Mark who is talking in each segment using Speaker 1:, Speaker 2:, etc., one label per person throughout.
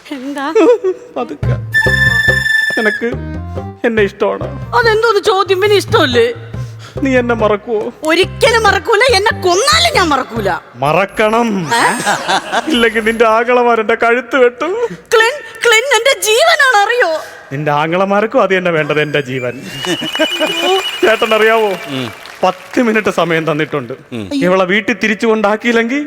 Speaker 1: എന്താ?
Speaker 2: പതുക്കെ. നിനക്ക് എന്നെ ഇഷ്ടമാണ്.
Speaker 1: അതെന്തോന്ന് ചോദ്യം? പിന്നെ ഇഷ്ടമല്ലേ?
Speaker 2: നീ എന്നെ മറക്കുവോ?
Speaker 1: ഒരിക്കലും മറക്കൂല. എന്നെ കൊന്നാലും ഞാൻ മറക്കൂല.
Speaker 2: മറക്കണം. ഇല്ലെങ്കിൽ നിന്റെ ആങ്ങളമാരെന്റെ കഴുത്ത് വെട്ടും.
Speaker 1: ക്ലിൻ എന്റെ ജീവനാണ്, അറിയോ?
Speaker 2: നിന്റെ ആങ്ങളമാർക്കും അത് തന്നെ വേണ്ടത്, എന്റെ ജീവൻ. ചേട്ടൻ അറിയാവോ, 10 മിനിറ്റ് സമയം തന്നിട്ടുണ്ട്. ഇവളെ വീട്ടിൽ തിരിച്ചു കൊണ്ടാക്കിയില്ലെങ്കിൽ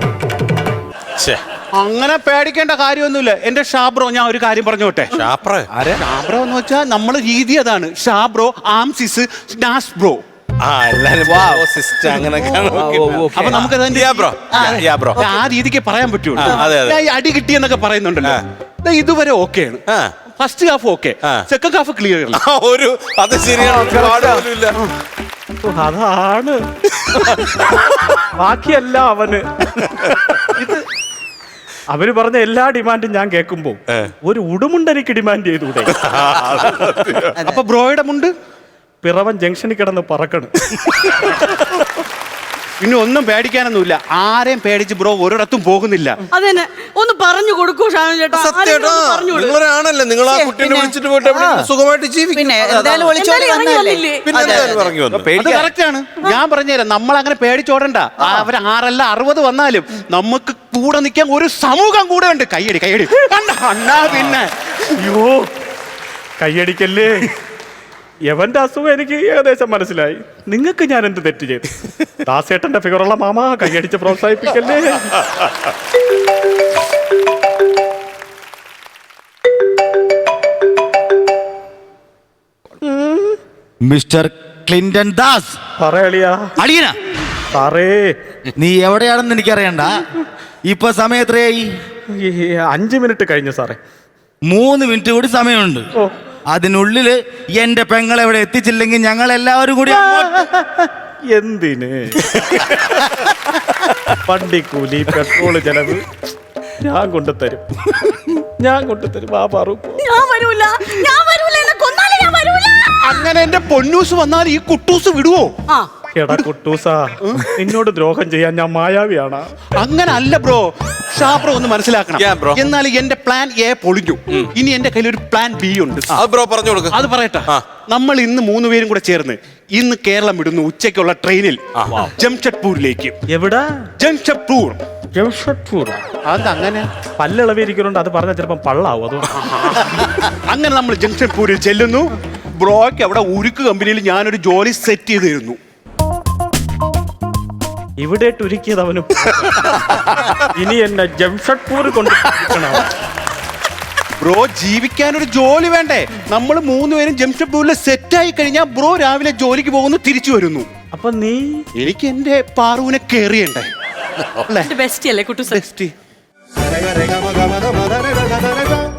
Speaker 3: അങ്ങനെ പേടിക്കേണ്ട കാര്യമൊന്നുമില്ല എന്റെ ഷാബ്രോ. ഞാൻ ഒരു കാര്യം പറഞ്ഞോട്ടെ. ഷാബ്രോ എന്ന് വെച്ചാൽ നമ്മള് രീതി അതാണ്. ഷാബ്രോ, ആംസിസ്, സ്നാസ് ബ്രോ. അപ്പൊ നമുക്ക് ആ രീതിക്ക് പറയാൻ പറ്റുള്ളൂ. അടി കിട്ടിയെന്നൊക്കെ പറയുന്നുണ്ടല്ലോ, ഇതുവരെ ഓക്കെയാണ്. First half okay, second half clear.
Speaker 4: അത് ശരിയാണ്.
Speaker 2: അതാണ് ബാക്കിയല്ല അവന്. ഇത് അവര് പറഞ്ഞ എല്ലാ ഡിമാൻഡും ഞാൻ കേൾക്കുമ്പോ ഒരു ഉടുമുണ്ട് എനിക്ക് ഡിമാൻഡ് ചെയ്തൂടെ?
Speaker 3: അപ്പൊ ബ്രോയുടെ മുണ്ട്
Speaker 2: പിറവൻ ജംഗ്ഷനിൽ കിടന്ന് പറക്കണം.
Speaker 3: പിന്നെ ഒന്നും പേടിക്കാനൊന്നുമില്ല. ആരെയും പേടിച്ച് ബ്രോ ഒരിടത്തും പോകുന്നില്ല.
Speaker 1: അതെന്നെ ഒന്ന് പറഞ്ഞു കൊടുക്കൂ ഷാനു ചേട്ടാ.
Speaker 4: നിങ്ങളാണല്ലേ, നിങ്ങൾ ആ കുട്ടീനെ വിളിച്ചിട്ട് പോയിട്ട് സുഖമായിട്ട് ജീവിക്കും.
Speaker 3: കറക്റ്റാണ്. ഞാൻ പറഞ്ഞുതരാം, നമ്മൾ അങ്ങനെ പേടിച്ചോടണ്ട. അവർ 6 അല്ല 60 വന്നാലും നമുക്ക് കൂടെ നിൽക്കാൻ ഒരു സമൂഹം കൂടെ ഉണ്ട്. കയ്യടി കയ്യടി അണ്ണാ. പിന്നെ
Speaker 2: അയ്യോ കയ്യടിക്കല്ലേ. എവന്റെ അസുഖം എനിക്ക് ഏകദേശം മനസ്സിലായി. നിങ്ങൾക്ക് ഞാൻ എന്ത് തെറ്റ് ചെയ്തു? ദാസേട്ടന്റെ ഫിഗറുള്ള മാമ കയ്യടിച്ച് പ്രോത്സാഹിപ്പിക്കല്ലേ.
Speaker 5: Mister Clinton Das.
Speaker 2: പറയളിയാ.
Speaker 5: അടിയന
Speaker 2: സാറേ,
Speaker 5: നീ എവിടെയാണെന്ന് എനിക്കറിയണ്ട. ഇപ്പൊ സമയം എത്രയായി?
Speaker 2: 5 മിനിറ്റ് കഴിഞ്ഞു സാറേ.
Speaker 5: 3 മിനിറ്റ് കൂടി സമയമുണ്ട്. അതിനുള്ളില് എന്റെ പെങ്ങളെവിടെ എത്തിച്ചില്ലെങ്കിൽ ഞങ്ങൾ എല്ലാവരും കൂടി
Speaker 2: എന്തിന്? വണ്ടിക്കൂലി, പെട്രോള് ചെലവ് ഞാൻ കൊണ്ടുതരും. ആ പറു.
Speaker 1: ഞാൻ വരൂല. എന്നെ കൊന്നാലും ഞാൻ വരൂല.
Speaker 3: അങ്ങനെ എന്റെ പൊന്നൂസ് വന്നാൽ ഈ കുട്ടൂസ് വിടുവോ?
Speaker 2: എടാ കുട്ടൂസാ, നിന്നോട് ദ്രോഹം ചെയ്യാൻ ഞാൻ മായാവിയാണ്.
Speaker 3: അങ്ങനെ അല്ല ബ്രോ. ഷാബ്രോ ഒന്ന് മനസ്സിലാക്കണം. എന്നാൽ എന്റെ പ്ലാൻ എ പൊളിഞ്ഞു. ഇനി എന്റെ കയ്യിൽ ഒരു പ്ലാൻ ബി ഉണ്ട്.
Speaker 4: ബ്രോ പറഞ്ഞു കൊടുക്കും.
Speaker 3: അത് പറയട്ടെ. നമ്മൾ ഇന്ന് 3 പേരും കൂടെ ചേർന്ന് ഇന്ന് കേരളം വിടുന്നു. ഉച്ചയ്ക്കുള്ള ട്രെയിനിൽ ജംഷഡ്പൂരിലേക്ക്.
Speaker 2: എവിടെ?
Speaker 3: ജംഷഡ്പൂർ.
Speaker 2: അതങ്ങനെ പല്ലിളവിരിക്കുന്നുണ്ട്. അത് പറഞ്ഞാൽ ചിലപ്പം പള്ളാവും. അത്
Speaker 3: അങ്ങനെ നമ്മൾ ജംഷഡ്പൂരിൽ ചെല്ലുന്നു. ബ്രോയ്ക്ക് അവിടെ ഉരുക്ക് കമ്പനിയിൽ ഞാനൊരു ജോലി സെറ്റ് ചെയ്ത് തരുന്നു.
Speaker 2: ഇവിടെ ഒരുക്കിയതവനും ഇനി എന്നെ ജംഷഡ്പൂർ കൊണ്ട്
Speaker 3: ബ്രോ ജീവിക്കാനൊരു ജോലി വേണ്ടേ? നമ്മൾ 3 പേരും ജംഷഡ്പൂരിൽ സെറ്റ് ആയി കഴിഞ്ഞാൽ ബ്രോ രാവിലെ ജോലിക്ക് പോകുന്നു, തിരിച്ചു വരുന്നു.
Speaker 2: അപ്പൊ നീ
Speaker 3: എനിക്ക് എന്റെ പാറുവിനെ കേറിയണ്ടേ?
Speaker 1: ബെസ്റ്റ് അല്ലേ കുട്ടു?
Speaker 3: ബെസ്റ്റ്.